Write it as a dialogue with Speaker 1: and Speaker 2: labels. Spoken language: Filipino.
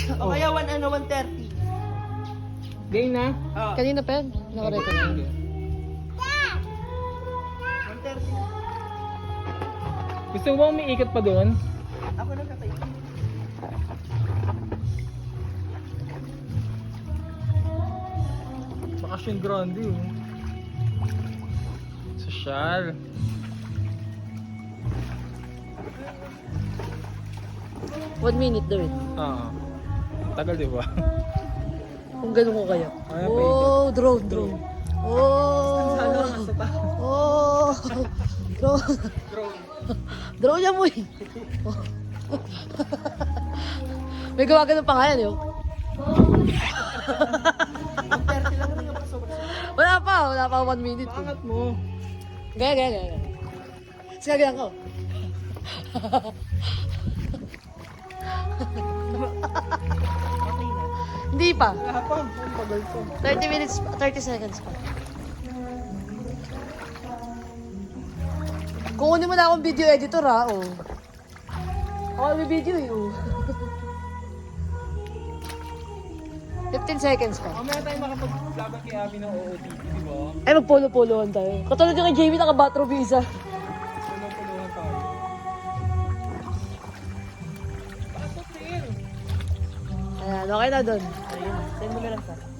Speaker 1: O kaya 130.
Speaker 2: Game na?
Speaker 3: Kanina pa yan. Nakarecord na.
Speaker 1: 130.
Speaker 2: Gusto mo ba umiikot pa doon?
Speaker 1: Ako na katay.
Speaker 2: Bakasyon grande oh. Sosyal.
Speaker 3: One minute daw eh.
Speaker 2: Tagal di ba?
Speaker 3: Kung ganun ko kaya.
Speaker 2: Ay,
Speaker 3: Oh, drone. Oh. Oh. Drone. Drone niya mo eh. May gawa ka ng pangalan yun.
Speaker 1: 130 lang rin yung pasobra.
Speaker 3: Wala pa 1 minute.
Speaker 2: Pangat mo.
Speaker 3: Gaya. Sige, gaya ko. Hindi pa.
Speaker 1: Wala pa. Ang tagal ko.
Speaker 3: 30 minutes, 30 seconds pa. Kukunin mo na akong video editor ha, oh. Ako may video eh, oh. 15 seconds pa.
Speaker 2: Mamaya tayo makapaglaban kay Abby ng OOTD, di ba?
Speaker 3: Ay, magpolo-polohan tayo. Katulad yung kay Jamie, naka-batro visa.
Speaker 2: Puluhan tayo. Pasok, Phil!
Speaker 3: Ayan, okay na doon. Ayun, send mo na lang sa.